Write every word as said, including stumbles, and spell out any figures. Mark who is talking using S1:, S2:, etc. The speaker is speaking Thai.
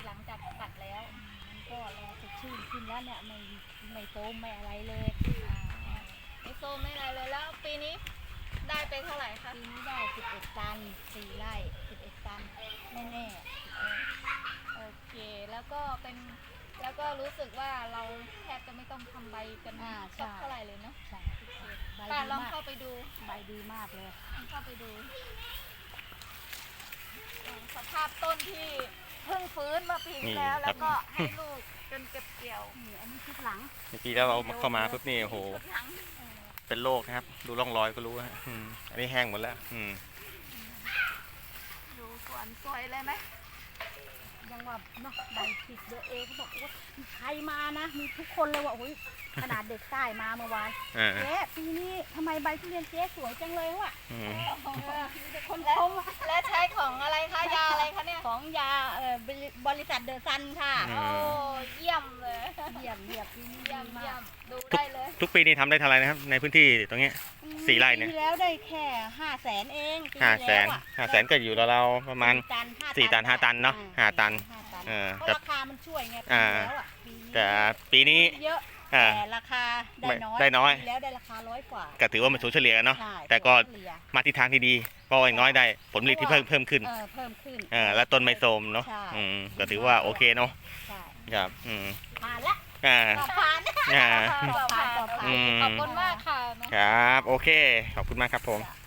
S1: หลังจากตัดแล้วมันก็แลสดชื่นขึ้นแล้วเนี่ยไม่ไม่โซมไม่อะไรเลย
S2: ไม่โซมไม่อะไรเลยแล้วปีนี้ได้ไปเท่าไหร่คะ
S1: ปีนี้ได้สิบเอ็ดตันสี่ไร่สิบเอ็ดตันแน่แน่
S2: โอเคแล้วก็เป็นแล้วก็รู้สึกว่าเราแทบจะไม่ต้องทำใบกันสักเท่าไหร่เลยเนาะ
S1: ใช่
S2: ป้าลองเข้าไปดู
S1: ใบดีมากเลย
S2: เข้าไปดูสภาพต้นที่เพิ่งฟื้นมาปีแล้วแล้วก็ให้ลูกจนเก็บเกี่ยว
S1: นี่อันนี้ชุดหลัง
S3: เมื่อกี้แล้วเราเข้ามาปุ๊บนี่โอ้โหเป็นโรคนะครับดูร่องรอยก็รู้ฮะอันนี้แห้งหมดแล้ว
S2: ดูสวนสวยเลยไหม
S1: ยังว่าเนาะใบผิดเดอเอเขาบอกว่าใครมานะมีทุกคนเลยว่าโอ้ยขนาดเด็กใต้มาเมื่อวานเจ๊ปีนี้ทำไมใบทุเรียนเจ๊สวยจังเลยวะ
S2: คนชมและใช้ของอะไรคะยาอะไรคะเนี่ย
S1: ของยาเอ่อบริษัทเดอะซันค่ะ
S2: โอ้เยี่ยมเลย
S1: เยี่ยมเยี่ยมปีนี้
S2: เยี่ยมเยี่ยมดู
S3: ทุก
S2: ได้เลย
S3: ทุกปีนี้ทำได้เท่าไหร่นะครับในพื้นที่ตรงนี้สี่ไร่เนี่ย
S1: ปีแล้วได้แค่ห้าแสนเอง
S3: ห้าแสนห้าแสนก็อยู่เราประมาณสี่ตันห้าตันเนาะห้าตัน
S1: เออราคามันช่วยไงปีแล้วอ่ะ
S3: แต่ปีนี้
S1: เยอะแต่ราคาได้น้อย
S3: ได้น้อย
S1: แล้วได้ราคาร้อยกว่า
S3: ก็ถือว่ามันสูงเฉลี่ยกันเนาะแต่ก็มาทิศทางที่ดีเพราะอย่างน้อยได้ผลผลิตที่เพิ่มเพิ่มขึ้น
S1: เพิ่มขึ้น
S3: เออแล้วต้นไม่โทรมเนาะอืมก็ถือว่าโอเคเนาะครับอืม
S1: ผ่านละ
S3: อ่า
S1: ผ่าน
S3: อ่า
S2: ขอบคุณมากค่ะ
S3: ครับโอเคขอบคุณมากครับผม